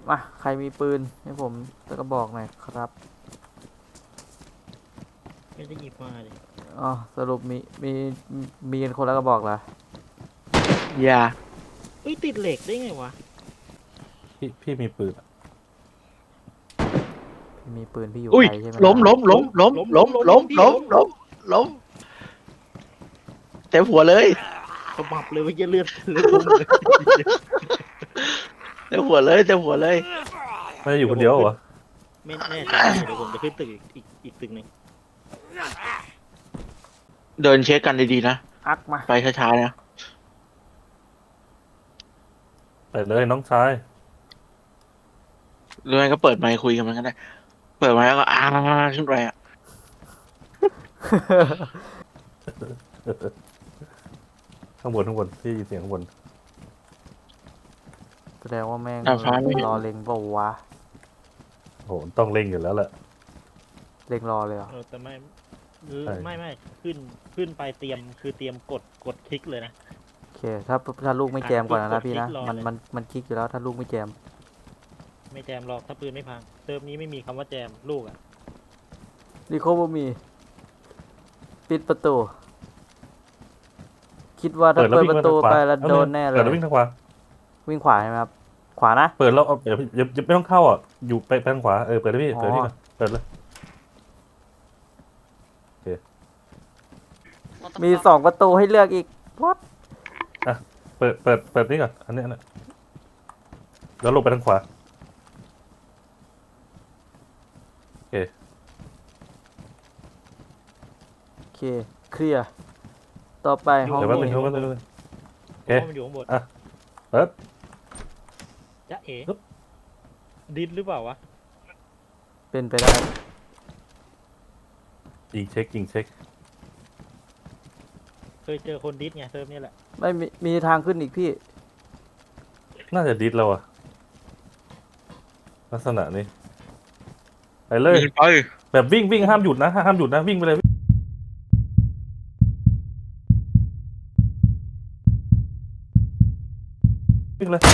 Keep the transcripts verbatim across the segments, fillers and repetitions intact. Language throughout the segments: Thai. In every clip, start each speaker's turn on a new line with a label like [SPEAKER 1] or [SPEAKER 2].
[SPEAKER 1] มาใครมีปืนให้ผมตะกระบอกหน่อยครับ
[SPEAKER 2] ไม่ได้หยิบมาเลย
[SPEAKER 1] อ๋อสรุปมีมีมีกันคนละกระบอกเหรอ
[SPEAKER 3] อย่า
[SPEAKER 2] เอ้ยติดเหล็กได้ไงวะ
[SPEAKER 4] พี่พี่มีปืนอะ
[SPEAKER 1] มีปืนพี่อยู่
[SPEAKER 3] อุ้ย
[SPEAKER 1] ไกลใช่ไหม
[SPEAKER 3] ล้มล้มล้มล้มล้มล้มล้มล้มล้มเต็มหัวเลย
[SPEAKER 2] กระบับเลยว่าจะเลือดเลือดพุ่งเลย
[SPEAKER 3] เต็มหัวเลยเต็มหัวเลย
[SPEAKER 4] ไม่ได้อยู่คนเดียวเหรอวะ
[SPEAKER 2] ไม่แน่ใจเดี๋ยวผมจะขึ้นตึกอีกอีกอีกตึกหนึ่ง
[SPEAKER 3] เดินเช็คกันดีๆนะ
[SPEAKER 1] อักมา
[SPEAKER 3] ไปช้าๆนะ
[SPEAKER 4] ไปเลยน้องชาย
[SPEAKER 3] หรือไม่ก็เปิดไมค์คุยกันมันก็ได้เปิดไมค์แล้วก็อ้าขึ้นไปอ่ะ
[SPEAKER 4] ข้างบนข้างบนพี่ยินเสียงข้างบน
[SPEAKER 1] แสดงว่าแม่ง
[SPEAKER 3] ดาดฟ้าไม่เห็น
[SPEAKER 1] รอเล็งเปล่าวะ
[SPEAKER 4] โหต้องเล่งอยู่แล้วแหละ
[SPEAKER 1] เล็งรอเลยเหรอ
[SPEAKER 2] เออแต่ไม่เออ
[SPEAKER 4] ใช่
[SPEAKER 2] ไม่ไม่ขึ้นขึ้นไปเตรียมคือเตรียมกดกดคลิกเลยนะ
[SPEAKER 1] โอเคถ้าถ้าลูกไม่แจมก่อนนะ
[SPEAKER 2] ก
[SPEAKER 1] นะ
[SPEAKER 2] ด
[SPEAKER 1] พี่นะ
[SPEAKER 2] คลิกรอ
[SPEAKER 1] มัน
[SPEAKER 2] เลย
[SPEAKER 1] มันมันคลิกอยู่แล้วถ้าลูกไม่แจม
[SPEAKER 2] ไม่แจมหรอกถ้าปืนไม่พังเติมนี้ไม่มีคำว่าแจมลูกอ่ะ
[SPEAKER 1] รีโคบมี ปิดประตู คิดว่าถ้า
[SPEAKER 4] เปิดแล้ว
[SPEAKER 1] เปิด
[SPEAKER 4] วิ่ง
[SPEAKER 1] ประตู
[SPEAKER 4] ทางขวา
[SPEAKER 1] ไปแล้วโดนแน่เล
[SPEAKER 4] เปิ
[SPEAKER 1] ย
[SPEAKER 4] ดแล้ววิ่งทางขวา
[SPEAKER 1] วิ่งขวาใช่ไหมครับ ขวานะ
[SPEAKER 4] เปิดแล้วเอาเดี๋ยวอย่าอย่าไม่ต้องเข้าอ่ะอยู่ไปไปทางขวาเออเปิดเลยพี่
[SPEAKER 1] อ๋อ
[SPEAKER 4] เปิดนี่ก่อนเปิดเลย
[SPEAKER 1] มีสองประตูให้เลือกอีกวัด
[SPEAKER 4] เปิดเปิดเปิดนี่ก่อนอันนี้อันนี้แล้วลงไปทางขวา
[SPEAKER 1] โอเคเคลียร์ต่อไปห้อง
[SPEAKER 4] เดี๋ยวแป๊บนึง
[SPEAKER 1] นี้
[SPEAKER 4] เดี๋ยวแป๊บนึงแป๊บนึง
[SPEAKER 2] เพราะว่ามันอยู่ข้างบน
[SPEAKER 4] อ่ะ เปิด
[SPEAKER 2] จะเอ๋
[SPEAKER 4] ปึ๊บ
[SPEAKER 2] ดินหรือเปล่าวะ
[SPEAKER 1] เป็นไปได้
[SPEAKER 4] ยิงเช็คยิงเช็ค
[SPEAKER 2] เคยเจอคนดิสไงเติมนี่แหละ
[SPEAKER 1] ไม่มีมีทางขึ้นอีกพี่
[SPEAKER 4] น่าจะดิสแล้วอ่ะลักษณะนี้ไปเลย
[SPEAKER 3] ไป
[SPEAKER 4] แบบวิ่งวิ่งห้ามหยุดนะห้ามหยุดนะวิ่งไปเลยวิ่งเลย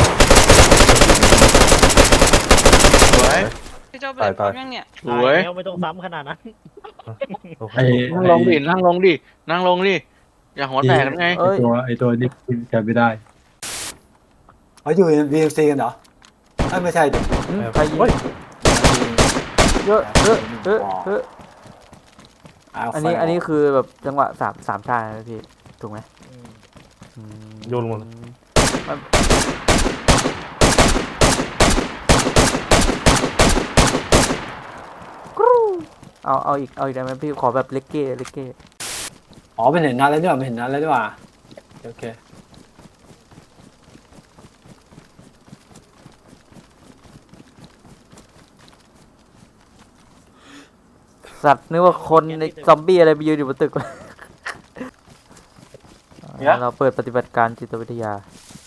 [SPEAKER 3] สวย
[SPEAKER 5] พี่เจ้าเปิดพร้อมยังเนี่ย
[SPEAKER 3] สวย
[SPEAKER 2] ตาแล้วไม่ต้องซ้ำขนาดนั้น
[SPEAKER 4] โอเค
[SPEAKER 6] ไอ้
[SPEAKER 3] นั่งลงดินั่งลงดินั่งลงดิอย่าหัวแตกกันไง
[SPEAKER 1] เอ้ย
[SPEAKER 6] ตัวไอ้ตัวนี้แกไม่ได้
[SPEAKER 7] เขาอยู่ บี เอ็ม ซี กันเหรอเอ้ยไม่ใช่ดิ
[SPEAKER 1] อืมใครยิง
[SPEAKER 4] เฮ้ย
[SPEAKER 1] เยอะเยอะเยอะเยอะ
[SPEAKER 7] า
[SPEAKER 1] อันนี้
[SPEAKER 7] ไฟ
[SPEAKER 1] อันนี้คือแบบจังหวะสามสามชาตินะพี่ถูกไหม
[SPEAKER 2] อืม
[SPEAKER 1] อืม
[SPEAKER 4] โยนลงมา
[SPEAKER 1] มันกรูเอาเอาอีกเอาอีกได้ไหมพี่ขอแบบเล็กเก้เล็กเก้
[SPEAKER 7] อ๋อเป็นเห็นนัดแล้วด้วยเป็นเห็นนัดแล้วด้วยว่ะโอเค
[SPEAKER 1] สัตว์นึกว่าคนในซอมบี้อะไรไปยืนอยู่บนตึกวะเราเปิดปฏิบัติการจิตวิทยา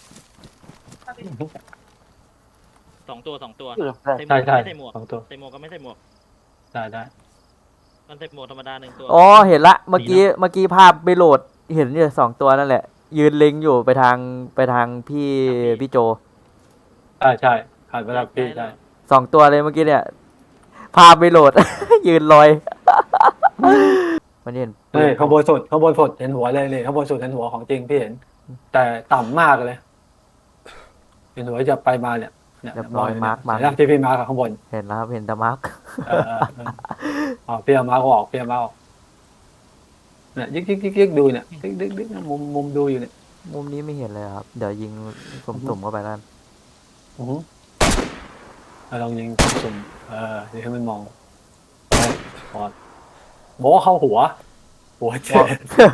[SPEAKER 2] สองตัวสองตัว
[SPEAKER 7] ใช่ใช่
[SPEAKER 2] ใส่หมวก
[SPEAKER 7] สองตัว
[SPEAKER 2] ใส่หมวกก็ไม่ใส่หมวก
[SPEAKER 7] ได้ได้
[SPEAKER 2] มันใส่หมวกธรรมดาหนึ่งตัว
[SPEAKER 1] อ๋อเห็นละเมื่อกี้เมื่อกี้ภาพไปโหลดเห็นอยู่สองตัวนั่นแหละ ยืนเล็งอยู่ไปทางไปทางพี่พี่โจ
[SPEAKER 7] ใช่ใช่ผ่านไปแล้วพี่ใช่
[SPEAKER 1] สองตัวเลยเมื่อกี้เนี่ย ภาพไปโหลด ยืนลอย มันเห็น
[SPEAKER 7] เฮ้ยข้างบนสุดข้างบนสุดเห็นหัวเลยนี่ข้างบนสุดเห็นหัวของจริงพี่เห็น แต่ต่ำมากเลย เห็นหัวจะไปมาเนี่ยเนี่ย
[SPEAKER 1] เรียบร้อยมาร์คมา
[SPEAKER 7] เห็นไหที่พี่มาร์คข้างบน
[SPEAKER 1] เห็นแล้วครับเห็นแต่มาร์ก
[SPEAKER 7] เออเออเอออ๋อพี่เอามาร์คออกพี่เอามาร์คออกเนี่ยยิกยิกยิกยิกดูเนี่ยยิกยิกยิกมุมมุมดูอยู่เนี่ย
[SPEAKER 1] มุมนี้ไม่เห็นเลยครับ เดี๋ยวยิงสุ่มๆเข้าไปแล้วกัน
[SPEAKER 7] อือหือเอาลองยิงสุ่มๆเออเดี๋ยวให้มันมองเฮ้ยพอดบอกว่าเข้าหัว หัวเจ็บ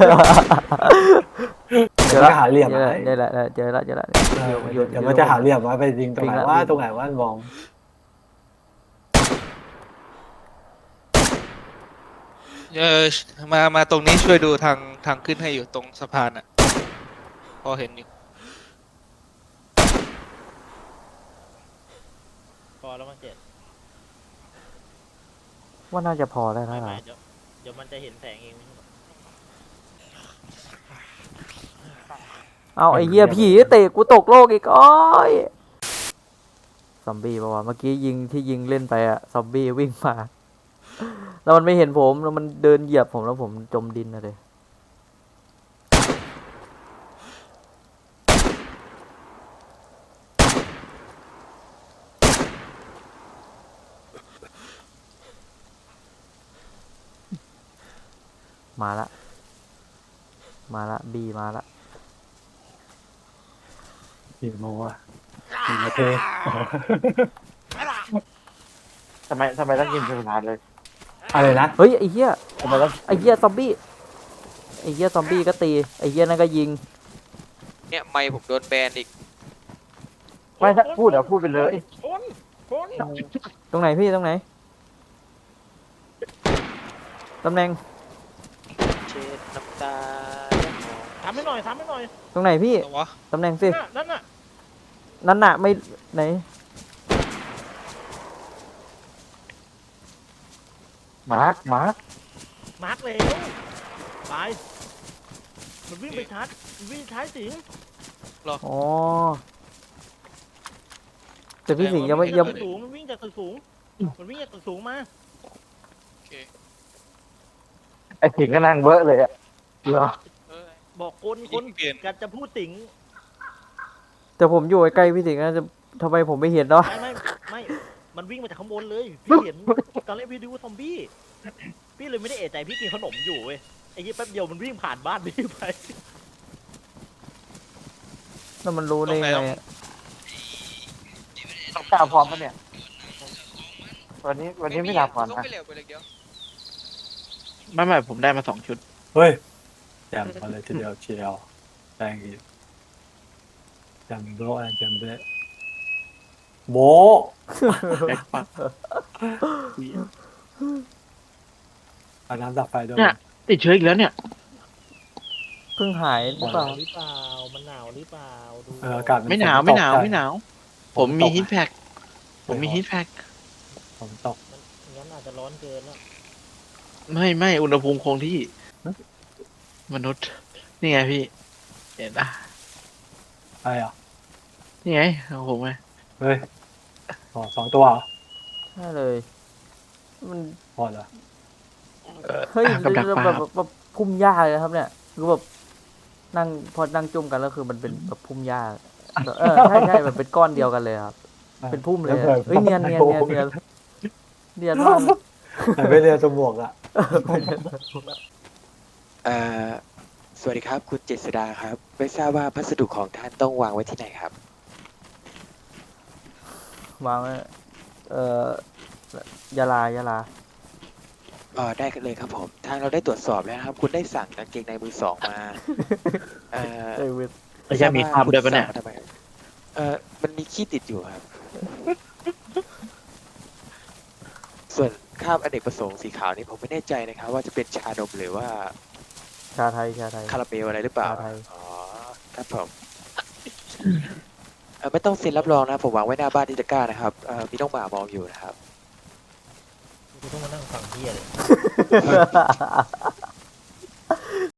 [SPEAKER 1] เจอ
[SPEAKER 7] มัน
[SPEAKER 1] ละ
[SPEAKER 7] จะหาเหลี่ยม
[SPEAKER 1] เจอ
[SPEAKER 7] ไว้
[SPEAKER 1] ละเจอละเจอละเจอละ
[SPEAKER 7] เออ
[SPEAKER 1] อยู่
[SPEAKER 7] เดี๋ยวมันจะหาเหลี่ยมไว้ไปยิงตรงไหน
[SPEAKER 1] วิ่งละ
[SPEAKER 7] ว่า
[SPEAKER 1] วิ่ง
[SPEAKER 7] ตรงไหนว่ามอง
[SPEAKER 8] เออมามาตรงนี้ช่วยดูทางทางขึ้นให้อยู่ตรงสะพานอ่ะ พอเห็นอยู่
[SPEAKER 2] พอแล้วมันเจ็ด
[SPEAKER 1] ว่าน่าจะพอได้
[SPEAKER 2] ไม่
[SPEAKER 1] แล้ว
[SPEAKER 2] ไม่
[SPEAKER 1] นะ
[SPEAKER 2] เดี๋ยวเดี๋ยวมันจะเห็นแสงเองไม่ใช่หรอ
[SPEAKER 1] เอาไอ้เหี้ยผีเตะกูตกโลกอีกโอ้ยซอมบี้ปะวะเมื่อกี้ยิงที่ยิงเล่นไปอะซอมบี้วิ่งมา แล้วมันไม่เห็นผมแล้วมันเดินเหยียบผมแล้วผมจมดินนะเลยมาละมาละบีมาละ
[SPEAKER 7] กี่โมงอะหนึ่งนาที
[SPEAKER 3] ทำไมทำไมต้องยิงสุดท้ายเลย
[SPEAKER 7] อะไรนะ
[SPEAKER 1] เฮ้ยไอ้เหี้ย
[SPEAKER 7] ทำไมต้อง
[SPEAKER 1] ไอ้เหี้ยซอมบี้ไอ้เหี้ยซอมบี้ก็ตีไอ้เหี้ยนั่นก็ยิง
[SPEAKER 8] เนี่ยไม่ผมโดนแบนอีก
[SPEAKER 3] ไม่ถ้าพูดเดี๋ยวพูดไปเลย
[SPEAKER 2] คนคน
[SPEAKER 1] ตรงไหนพี่ตรงไหนตำแหน่ง
[SPEAKER 8] เช็ดน้ำตา
[SPEAKER 2] ทำให้หน่อยทำให้หน่อย
[SPEAKER 1] ตรงไหนพี่
[SPEAKER 8] ตัววะ
[SPEAKER 1] ตำแหน่งสิ
[SPEAKER 2] น่ะนั่นน่ะ
[SPEAKER 1] นั่นน่ะไม่ไหน
[SPEAKER 3] มาร์คมาร์ค
[SPEAKER 2] มาร์กแล้วไปมันวิ่งไปชาร์จมันวิ่งชาร์จสิง
[SPEAKER 1] อ๋อแต่พี่สิงห์ยังไม่ยัง
[SPEAKER 2] มันวิ่จากตึกสูงมันวิ่งจากตึกสูงมันวิ่งจากตึกสูงมา
[SPEAKER 8] โอเค
[SPEAKER 3] ไอ้ถิงก็นั่งเบอะเลยอะเหรอ
[SPEAKER 8] เออ
[SPEAKER 2] บอกคน
[SPEAKER 8] ยิ
[SPEAKER 2] คน
[SPEAKER 8] งเปลี่ยน
[SPEAKER 2] กันจะพูดสิง
[SPEAKER 1] แต่ผมอยู่ใกล้ๆพี่สิงห์นะจะทำไมผมไม่เห็นเนาะ
[SPEAKER 2] ไม่ไม่ไม่มันวิ่งมาจากข้างบนเลยพี่เห็นตอนแรกพี่ดูว่าซอมบี้พี่เลยไม่ได้เอะใจพี่กินขนมอยู่เว้ยไอ้ยี่แป๊บเดียวมันวิ่งผ่านบ้านพี่ไป
[SPEAKER 1] แล้วมันรู้ได้ไงอะ
[SPEAKER 3] ต้องกล้าพร้อมปะเนี่ย วันนี้วันนี้ไม่หลับก่อน
[SPEAKER 8] ต้อง
[SPEAKER 3] นะ
[SPEAKER 8] ไปเร็วไปเลยเดียว
[SPEAKER 3] ไม่ไม่ผมได้มาสองชุด
[SPEAKER 7] เฮ้ยแจมมาเลยทีเดียวเชียวแรงอีกแจมโบแอนแจมเบะโบ
[SPEAKER 3] แบ็คปัก
[SPEAKER 7] เอาน้ำดับไฟด้วย
[SPEAKER 3] เนี่ย ติดเชื้ออีกแล้วเนี่ย
[SPEAKER 1] เพิ่งหายหรือเปล่า
[SPEAKER 2] หรือเปล่ามันหนาวหรือเปล่าดู
[SPEAKER 7] เอออากาศ
[SPEAKER 3] ไม่หนาวไม่หนาวไม่หนาว ผมมีฮีทแพ็กผมมีฮีทแพ็ก
[SPEAKER 7] ผมตก
[SPEAKER 2] งั้นอาจจะร้อนเกินแล้ว
[SPEAKER 3] ไม่ไม่อุณหภูมิคงที่ มนุษย์ นี่ไงพี่เห็นปะ
[SPEAKER 7] อะไรอ่ะ
[SPEAKER 3] นี่ไงเอาผมไง
[SPEAKER 7] เฮ้ยอ๋อสองตัวเหรอ
[SPEAKER 1] ใช่เลยมัน
[SPEAKER 7] พอเหรอ
[SPEAKER 3] เอ่อ
[SPEAKER 1] เฮ้ย
[SPEAKER 3] กับดัก
[SPEAKER 1] แบบ
[SPEAKER 3] ปลา
[SPEAKER 1] แบบ
[SPEAKER 3] ครับ
[SPEAKER 1] แบบพุ่มหญ้าเลยนะครับเนี่ยคือแบบนั่งพอนั่งจุ่มกันแล้วคือมันเป็นแบบพุ่มหญ้าเออใช่ใช่มันเป็นก้อนเดียวกันเลยครับ เป็นพุ่มเลยอะเฮ้ยเนียนเนียนเนียนเนียนเนียนมาก
[SPEAKER 7] แต่ไม่เรียนสมวกอ่ะ
[SPEAKER 9] เอ่อสวัสดีครับ คุณเจษดาครับ ไม่ทราบว่าพัสดุของท่านต้องวางไว้ที่ไหนครับ
[SPEAKER 1] วางไว้เอ่อยาลายาลา
[SPEAKER 9] อ๋อได้กันเลยครับผม ทางเราได้ตรวจสอบแล้วนะครับ คุณได้สั่งกางเกงในมือสองมา เอ่อ
[SPEAKER 1] เอ้ยเว้ย
[SPEAKER 3] ไม่ใช่มีคราบด้วยปะเนี่ย
[SPEAKER 9] คุณสั่งมาทำไมครับเอ่อมันมีขี้ติดอยู่ครับ ส่วนคราบอเนกประสงค์สีขาวนี่ผมไม่แน่ใจนะครับ ว่าจะเป็นชานมหรือว่า
[SPEAKER 1] ชาไทยชาไทย
[SPEAKER 9] คาราเมลอะไรหรือเปล่า
[SPEAKER 1] ชาไทย
[SPEAKER 9] อ๋อ ครับผมเอ่อไม่ต้องเซ็นรับรองนะ ผมวางไว้หน้าบ้านที่ตะกร้านะครับเอ่อมีน้องหมามองอยู่นะครับ
[SPEAKER 2] กูต้องมานั่งฟังเฮียเลย